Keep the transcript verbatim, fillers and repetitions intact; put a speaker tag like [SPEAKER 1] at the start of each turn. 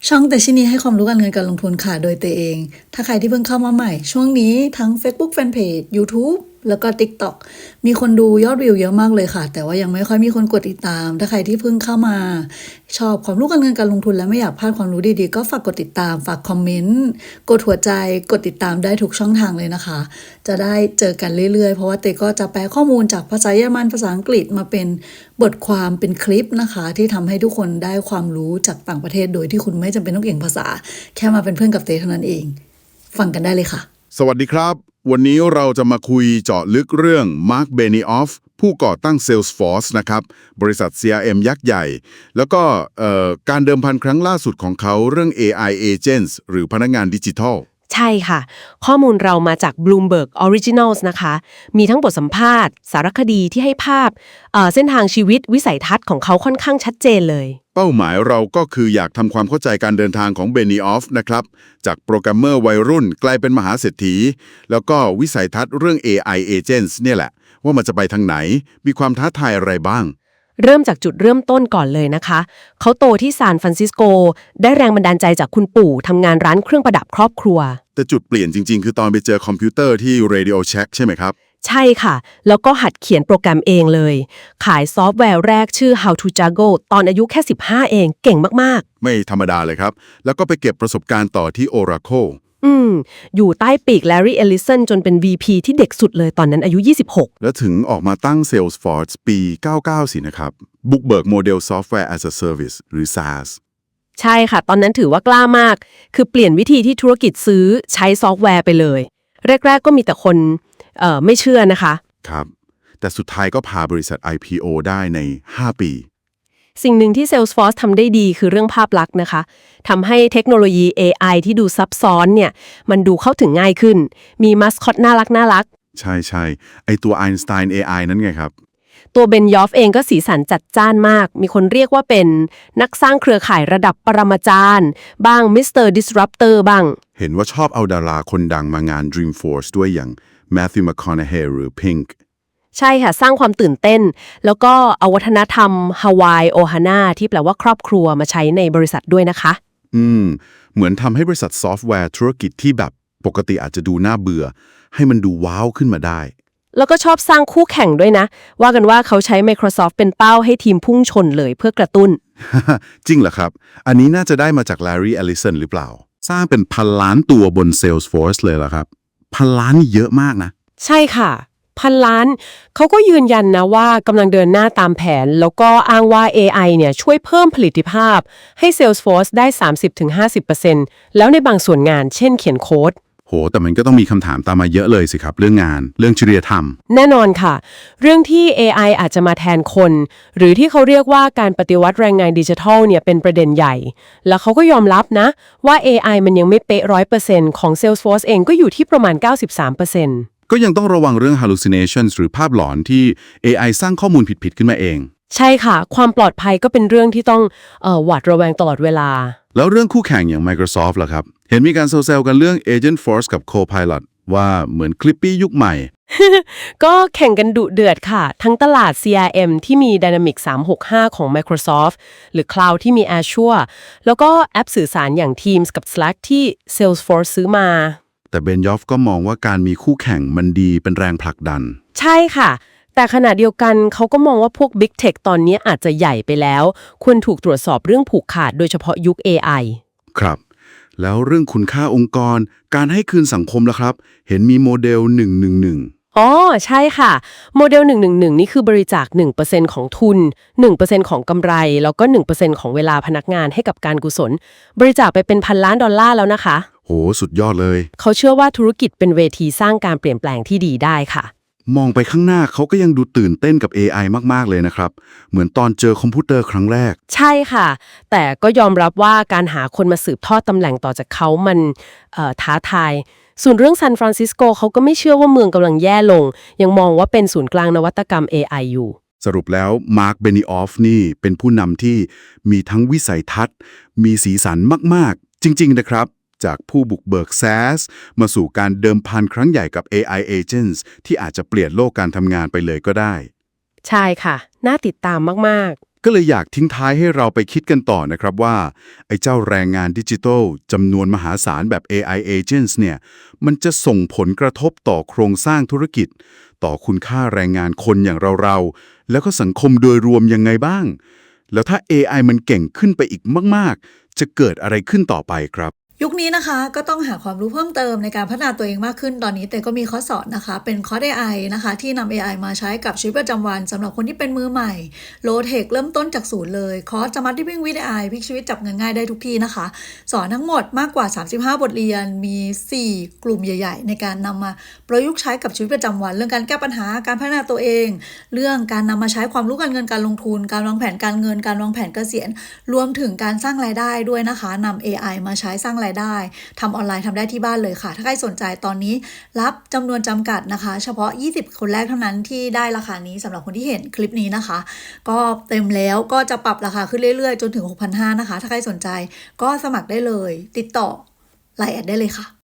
[SPEAKER 1] ช่องแต่ชินีให้ความรู้การเงินการลงทุนค่ะโดยเตเอง ถ้าใครที่เพิ่งเข้ามาใหม่ช่วงนี้ทั้ง Facebook Fanpage YouTube แล้วก็ TikTok มีคนดูยอดวิวเยอะมากเลยค่ะแต่ว่ายังไม่ค่อยมีคนกดติดตามถ้าใครที่เพิ่งเข้ามาชอบความรู้การเงินการลงทุนและไม่อยากพลาดความรู้ดีๆก็ฝากกดติดตามฝากคอมเมนต์กดหัวใจกดติดตามได้ทุกช่องทางเลยนะคะจะได้เจอกันเรื่อยๆเพราะว่าเตก็จะแปลข้อมูลจากภาษาเยอรมันภาษาอังกฤษมาเป็นบทความเป็นคลิปนะคะที่ทำให้ทุกคนได้ความรู้จากต่างประเทศโดยที่คุณไม่จำเป็นต้องเก่งภาษาแค่มาเป็นเพื่อนกับเตเท่านั้นเองฟังกันได้เลยค่ะ
[SPEAKER 2] สวัสดีครับวันนี้เราจะมาคุยเจาะลึกเรื่อง Mark Benioff ผู้ก่อตั้ง Salesforce นะครับบริษัท ซี อาร์ เอ็ม ยักษ์ใหญ่แล้วก็การเดิมพันครั้งล่าสุดของเขาเรื่อง เอ ไอ Agents หรือพนักงานดิจิทัล
[SPEAKER 3] ใช่ค่ะข้อมูลเรามาจาก Bloomberg Originals นะคะมีทั้งบทสัมภาษณ์สารคดีที่ให้ภาพเอ่อเส้นทางชีวิตวิสัยทัศน์ของเขาค่อนข้างชัดเจนเลย
[SPEAKER 2] เป้าหมายเราก็คืออยากทำความเข้าใจการเดินทางของ Benioff นะครับจากโปรแกรมเมอร์วัยรุ่นกลายเป็นมหาเศรษฐีแล้วก็วิสัยทัศน์เรื่อง เอ ไอ Agents เนี่ยแหละว่ามันจะไปทางไหนมีความท้าทายอะไรบ้าง
[SPEAKER 3] เริ่มจากจุดเริ่มต้นก่อนเลยนะคะเขาโตที่ซานฟรานซิสโกได้แรงบันดาลใจจากคุณปู่ทำงานร้านเครื่องประดับครอบครัว
[SPEAKER 2] แต่จุดเปลี่ยนจริงๆคือตอนไปเจอคอมพิวเตอร์ที่ Radio Shack ใช่ไหมครับ
[SPEAKER 3] ใช่ค่ะแล้วก็หัดเขียนโปรแกรมเองเลยขายซอฟต์แวร์แรกชื่อ How to Juggle ตอนอายุแค่สิบห้าเองเก่งมาก
[SPEAKER 2] ๆไม่ธรรมดาเลยครับแล้วก็ไปเก็บประสบการณ์ต่อที่ Oracle
[SPEAKER 3] อืมอยู่ใต้ปีก Larry Ellison จนเป็น วี พี ที่เด็กสุดเลยตอนนั้นอายุยี่สิบหก
[SPEAKER 2] แล้วถึงออกมาตั้ง Salesforce ปีเก้าสิบเก้าสินะครับบุกเบิกโมเดล Software as a Service หรือ SaaS
[SPEAKER 3] ใช่ค่ะตอนนั้นถือว่ากล้ามากคือเปลี่ยนวิธีที่ธุรกิจซื้อใช้ซอฟต์แวร์ไปเลยแรกๆก็มีแต่คนเอ่อไม่เชื่อนะคะ
[SPEAKER 2] ครับแต่สุดท้ายก็พาบริษัท ไอ พี โอ ได้ในห้าปี
[SPEAKER 3] สิ่งหนึ่งที่ Salesforce ทำได้ดีคือเรื่องภาพลักษณ์นะคะทำให้เทคโนโลยี เอ ไอ ที่ดูซับซ้อนเนี่ยมันดูเข้าถึงง่ายขึ้นมีมัสคอตน่ารักน่ารัก
[SPEAKER 2] ใช่ใช่ไอตัว Einstein เอ ไอ นั่นไงครับ
[SPEAKER 3] ตัวเบนยอฟเองก็สีสันจัดจ้านมากมีคนเรียกว่าเป็นนักสร้างเครือข่ายระดับปรมาจารย์บ้างมิสเตอร์ Disruptor บ้าง
[SPEAKER 2] เห็นว่าชอบเอาดาราคนดังมางาน Dreamforce ด้วยอย่าง Matthew McConaughey หรือ Pink
[SPEAKER 3] ใช่ค่ะสร้างความตื่นเต้นแล้วก็เอาวัฒนธรรมฮาวายโอฮาน่าที่แปลว่าครอบครัวมาใช้ในบริษัทด้วยนะคะ
[SPEAKER 2] อืมเหมือนทำให้บริษัทซอฟต์แวร์ธุรกิจที่แบบปกติอาจจะดูน่าเบื่อให้มันดูว้าวขึ้นมาได้
[SPEAKER 3] แล้วก็ชอบสร้างคู่แข่งด้วยนะว่ากันว่าเขาใช้ Microsoft เป็นเป้าให้ทีมพุ่งชนเลยเพื่อกระตุ้น
[SPEAKER 2] จริงเหรอครับอันนี้น่าจะได้มาจาก Larry Ellison หรือเปล่าสร้างเป็นพันล้านตัวบน Salesforce เลยเหรอครับพันล้านนี่เยอะมากนะ
[SPEAKER 3] ใช่ค่ะพันล้านเขาก็ยืนยันนะว่ากำลังเดินหน้าตามแผนแล้วก็อ้างว่า เอ ไอ เนี่ยช่วยเพิ่มผลิตภาพให้ Salesforce ได้ สามสิบถึงห้าสิบเปอร์เซ็นต์ แล้วในบางส่วนงานเช่นเขียนโค้ด
[SPEAKER 2] โหแต่มันก็ต้องมีคำถามตามมาเยอะเลยสิครับเรื่องงานเรื่องจริยธรรม
[SPEAKER 3] แน่นอนค่ะเรื่องที่ เอ ไอ อาจจะมาแทนคนหรือที่เขาเรียกว่าการปฏิวัติแรงงานดิจิทัลเนี่ยเป็นประเด็นใหญ่แล้วเขาก็ยอมรับนะว่า เอ ไอ มันยังไม่เป๊ะ ร้อยเปอร์เซ็นต์ ของ Salesforce เองก็อยู่ที่ประมาณ เก้าสิบสามเปอร์เซ็นต์
[SPEAKER 2] ก็ยังต้องระวังเรื่อง hallucinations หรือภาพหลอนที่ เอ ไอ สร้างข้อมูลผิดๆขึ้นมาเอง
[SPEAKER 3] ใช่ค่ะความปลอดภัยก็เป็นเรื่องที่ต้องเอ่อหวาดระแวงตลอดเวลา
[SPEAKER 2] แล้วเรื่องคู่แข่งอย่าง Microsoft ล่ะครับเห็นมีการเซลล์กันเรื่อง Agentforce กับ Copilot ว่าเหมือน Clippy ยุคใหม่
[SPEAKER 3] ก็แข่งกันดุเดือดค่ะทั้งตลาด ซี อาร์ เอ็ม ที่มี Dynamics สามหกห้าของ Microsoft หรือ Cloud ที่มี Azure แล้วก็แอปสื่อสารอย่าง Teams กับ Slack ที่ Salesforce ซื้อมา
[SPEAKER 2] แต่เบนยอฟก็มองว่าการมีคู่แข่งมันดีเป็นแรงผลักดัน
[SPEAKER 3] ใช่ค่ะแต่ขณะเดียวกันเขาก็มองว่าพวก Big Tech ตอนนี้อาจจะใหญ่ไปแล้วควรถูกตรวจสอบเรื่องผูกขาดโดยเฉพาะยุค เอ ไอ
[SPEAKER 2] ครับแล้วเรื่องคุณค่าองค์กรการให้คืนสังคมล่ะครับเห็นมีโมเดลหนึ่ง หนึ่ง หนึ่ง
[SPEAKER 3] อ๋อใช่ค่ะโมเดลหนึ่ง หนึ่ง หนึ่งนี่คือบริจาค หนึ่งเปอร์เซ็นต์ ของทุน หนึ่งเปอร์เซ็นต์ ของกำไรแล้วก็ หนึ่งเปอร์เซ็นต์ ของเวลาพนักงานให้กับการกุศลบริจาคไปเป็นพันล้านดอลลาร์แล้วนะคะ
[SPEAKER 2] โหสุดยอดเลย
[SPEAKER 3] เขาเชื่อว่าธุรกิจเป็นเวทีสร้างการเปลี่ยนแปลงที่ดีได้ค่ะ
[SPEAKER 2] มองไปข้างหน้าเขาก็ยังดูตื่นเต้นกับ เอ ไอ มากๆเลยนะครับเหมือนตอนเจอคอมพิวเตอร์ครั้งแรก
[SPEAKER 3] ใช่ค่ะแต่ก็ยอมรับว่าการหาคนมาสืบทอดตำแหน่งต่อจากเขามันเอ่อท้าทายส่วนเรื่องซานฟรานซิสโกเขาก็ไม่เชื่อว่าเมืองกำลังแย่ลงยังมองว่าเป็นศูนย์กลางนวัตกรรม เอ ไอ อยู่
[SPEAKER 2] สรุปแล้วมาร์คเบนิออฟนี่เป็นผู้นำที่มีทั้งวิสัยทัศน์มีสีสันมากๆจริงๆนะครับจากผู้บุกเบิก SaaS มาสู่การเดิมพันครั้งใหญ่กับ เอ ไอ Agents ที่อาจจะเปลี่ยนโลกการทำงานไปเลยก็ได้
[SPEAKER 3] ใช่ค่ะน่าติดตามมากๆ
[SPEAKER 2] ก็เลยอยากทิ้งท้ายให้เราไปคิดกันต่อนะครับว่าไอ้เจ้าแรงงานดิจิทัลจำนวนมหาศาลแบบ เอ ไอ Agents เนี่ยมันจะส่งผลกระทบต่อโครงสร้างธุรกิจต่อคุณค่าแรงงานคนอย่างเราๆแล้วก็สังคมโดยรวมยังไงบ้างแล้วถ้า เอ ไอ มันเก่งขึ้นไปอีกมากๆจะเกิดอะไรขึ้นต่อไปครับ
[SPEAKER 1] ยุคนี้นะคะก็ต้องหาความรู้เพิ่มเติมในการพัฒนาตัวเองมากขึ้นตอนนี้แต่ก็มีคอร์สสอนนะคะเป็นคอร์ส เอ ไอ นะคะที่นำ เอ ไอ มาใช้กับชีวิตประจำวันสำหรับคนที่เป็นมือใหม่โลเทคเริ่มต้นจากศูนย์เลยคอร์สสมาร์ทวิ่งวิด เอ ไอ พลิกชีวิตจับเงินง่ายได้ทุกที่นะคะสอนทั้งหมดมากกว่าสามสิบห้าบทเรียนมีสี่กลุ่มใหญ่ๆในการนำมาประยุกต์ใช้กับชีวิตประจำวันเรื่องการแก้ปัญหาการพัฒนาตัวเองเรื่องการนำมาใช้ความรู้การเงินการลงทุนการวางแผนการเงินการวางแผนเกษียณรวมถึงการสร้างรายได้ด้วยนะคะนำ เอ ไอ มาใช้สร้างรายได้ทำออนไลน์ทำได้ที่บ้านเลยค่ะถ้าใครสนใจตอนนี้รับจำนวนจำกัดนะคะเฉพาะยี่สิบคนแรกเท่านั้นที่ได้ราคานี้สำหรับคนที่เห็นคลิปนี้นะคะก็เต็มแล้วก็จะปรับราคาขึ้นเรื่อยๆจนถึง หกพันห้าร้อย นะคะถ้าใครสนใจก็สมัครได้เลยติดต่อไลน์แอดได้เลยค่ะ